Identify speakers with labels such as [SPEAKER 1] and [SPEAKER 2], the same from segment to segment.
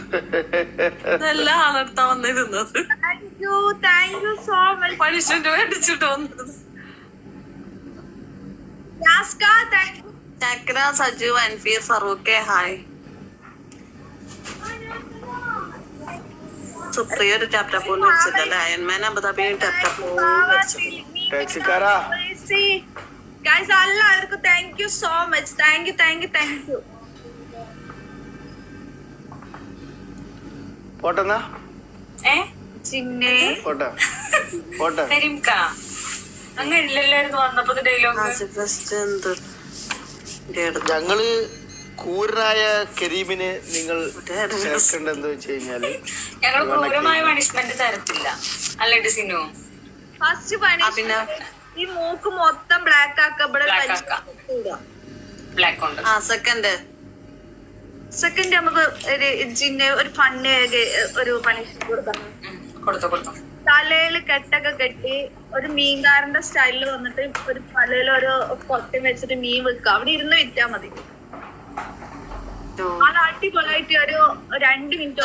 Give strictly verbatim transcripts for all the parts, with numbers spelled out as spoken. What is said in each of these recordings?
[SPEAKER 1] ഇതെല്ലാം ആളെടുത്താ വന്നിരുന്നത്. പണിഷ്മെന്റ് മേടിച്ചിട്ട് വന്നത്. ചക്ര, സജു, അൻഫീർ, ഫറൂഖ്, ഹായ്. സുപ്രിയ ഒരു ടാപ്റ്റ പോലും വെച്ചിട്ടല്ലേ. അയൺമാൻ അബുദാബി ടാപ്റ്റ പോലും വെച്ചിട്ടില്ല.
[SPEAKER 2] Guys, എല്ലാവർക്കും thank you so much. Thank you thank you thank you.
[SPEAKER 3] പോട്ടെന്നാ
[SPEAKER 2] ചിന്നെ
[SPEAKER 4] അങ്ങനെ ഇല്ലല്ലായിരുന്നു വന്നപ്പോ ഡയലോഗ്.
[SPEAKER 3] ഞങ്ങള് ക്രൂരനായ കരീമിനെ നിങ്ങൾ ചേർക്കേണ്ടതെന്ന് വെച്ച് കഴിഞ്ഞാല്
[SPEAKER 4] ഞങ്ങൾ ക്രൂരമായ പണിഷ്മെന്റ് തരത്തില്ല അല്ലേ ഡിസിനു.
[SPEAKER 2] ഫസ്റ്റ് പണിഷ്മെന്റ് ഈ മൂക്ക് മൊത്തം ബ്ലാക്ക് ആക്കപ്പെടാൻ
[SPEAKER 4] ബ്ലാക്ക് ഉണ്ട്.
[SPEAKER 1] ആ സെക്കൻഡ്
[SPEAKER 2] സെക്കൻഡ് നമുക്ക് ഒരു ജിന്നെ ഒരു ഫണ്ണ് ഒരു പണിഷ്മെന്റ് കൊടുക്കണം.
[SPEAKER 4] കൊടുത്തു കൊടുത്തു.
[SPEAKER 2] തലയിൽ കെട്ടൊക്കെ കെട്ടി ഒരു മീൻകാരന്റെ സ്റ്റൈലിൽ വന്നിട്ട് ഒരു തലയിൽ ഒരു കൊട്ടം വെച്ചിട്ട് മീൻ വെക്കുക. അവിടെ ഇരുന്ന് വിറ്റാ മതി. അത് അടിപൊളിയായിട്ട് ഒരു രണ്ട് മിനിറ്റ്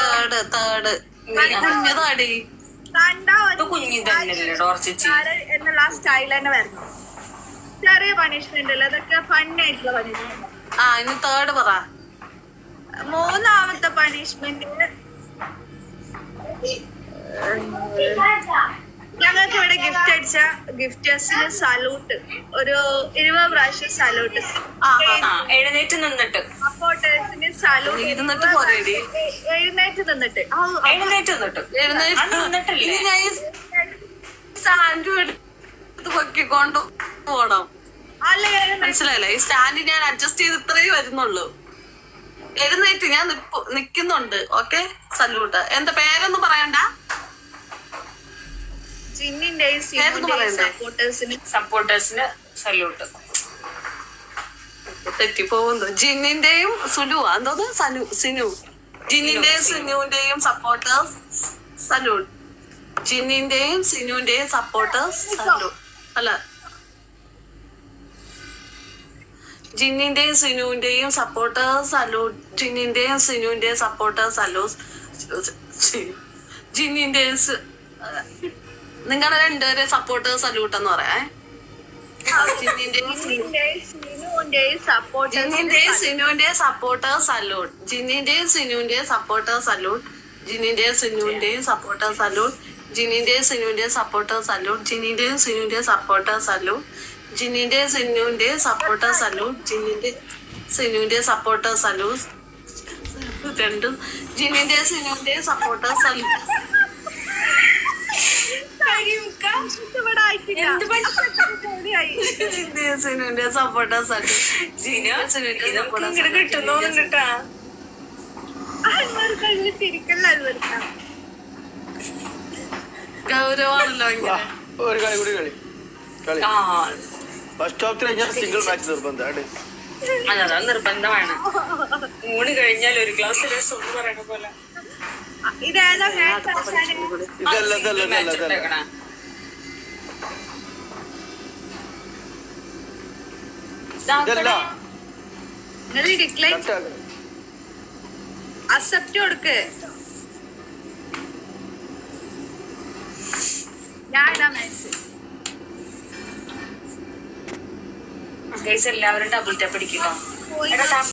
[SPEAKER 2] എന്നുള്ള ആ സ്റ്റൈൽ തന്നെ വരണം. ചെറിയ പണിഷ്മെന്റ് അല്ല, അതൊക്കെ ഫണ്ണായിട്ടുള്ള പണിഷ്മെന്റ്.
[SPEAKER 1] ആ ഇനി തേർഡ് പറ.
[SPEAKER 2] മൂന്നാമത്തെ പണിഷ്മെന്റ് ഞങ്ങൾക്ക് ഇവിടെ ഗിഫ്റ്റ് അടിച്ച ഗിഫ്റ്റേഴ്സിന് സല്യൂട്ട്, ഒരു ഇരുപത് പ്രാവശ്യം സല്യൂട്ട്.
[SPEAKER 4] എഴുന്നേറ്റ് നിന്നിട്ട്
[SPEAKER 2] സപ്പോർട്ടേഴ്സിന് സല്യൂട്ട്.
[SPEAKER 1] ഇരുന്നിട്ട് പോരേടി.
[SPEAKER 2] എഴുന്നേറ്റ് നിന്നിട്ട്
[SPEAKER 4] എഴുന്നേറ്റ് നിന്നിട്ട്
[SPEAKER 1] സ്റ്റാൻഡ് എടുത്ത് പൊക്കിക്കൊണ്ട് പോണം. മനസ്സിലായില്ല? ഈ സ്റ്റാൻഡ് ഞാൻ അഡ്ജസ്റ്റ് ചെയ്ത് ഇത്രയും വരുന്നുള്ളൂ. എഴുന്നേറ്റ് ഞാൻ നിക്കുന്നുണ്ട്. Okay, salute. എന്താ പേരൊന്നും പറയണ്ട.
[SPEAKER 4] സപ്പോർട്ടേഴ്സിന് സല്യൂട്ട്.
[SPEAKER 1] തെറ്റിപ്പോകുന്നു. ജിന്നിന്റെയും സുലു എന്തോന്ന് സനു സിനു ജിന്നിന്റെയും സിനുവിന്റെയും സപ്പോർട്ടേഴ്സ് സല്യൂട്ട്. ജിന്നിന്റെയും സിനുവിന്റെയും സപ്പോർട്ടേഴ്സ് സല്യൂട്ട്. അല്ല, ജിന്നിന്റെയും സിനുവിന്റെയും സപ്പോർട്ടേഴ്സ് സല്യൂട്ട്. ജിന്നിന്റെയും സിനുവിന്റെയും സപ്പോർട്ടേഴ്സ് സല്യൂട്ട്. ജിന്നിന്റെയും നിങ്ങളുടെ രണ്ടുപേരെ സപ്പോർട്ടേഴ്സ് സല്യൂട്ട് എന്ന് പറയാം. ജിന്നിന്റെയും സിനുവിന്റെയും സപ്പോർട്ടേഴ്സ് സല്യൂട്ട്. ജിന്നിന്റെയും സിനുവിന്റെയും സപ്പോർട്ടേഴ്സ് സല്യൂട്ട്. ജിന്നിന്റെയും സിനുവിന്റെയും സപ്പോർട്ടേഴ്സ് സല്യൂട്ട്. ജിന്നിന്റെയും സിനുവിന്റെയും സപ്പോർട്ടേഴ്സ് സല്യൂട്ട്. ജിന്നിന്റെയും സിനുവിന്റെയും സപ്പോർട്ടേഴ്സ് സല്യൂട്ട്. ജിന്നിന്റെയും സിനുവിന്റെയും സപ്പോർട്ടേഴ്സ് സല്യൂട്ട്. ജിന്നിന്റെ സിനുവിന്റെയും സപ്പോർട്ടേഴ്സ് സല്യൂട്ട്. രണ്ടും ജിന്നിന്റെയും സിനുവിന്റെയും സപ്പോർട്ടേഴ്സ് സല്യൂട്ട്. ഗൗരവാണല്ലോ ഇങ്ങനെ.
[SPEAKER 3] ഒരു കളി കൂടി കളി കളി ഫസ്റ്റ് ഹാഫ് കഴിഞ്ഞാൽ സിംഗിൾ മാച്ച് നിർബന്ധമാണ്.
[SPEAKER 4] അതാ നിർബന്ധമാണ്. ഊണ് കഴിഞ്ഞാൽ ഒരു ഗ്ലാസ് രസം എന്ന് പറയണ പോലെ.
[SPEAKER 3] ഇതല്ല ഇതല്ല ഇതല്ല ഇതല്ല
[SPEAKER 2] അക്സെപ്റ്റ് കൊടുക്ക്. ഞാൻ
[SPEAKER 4] എല്ലാവരും ഡബിൾ ടാപ്പ് അടിക്കുക.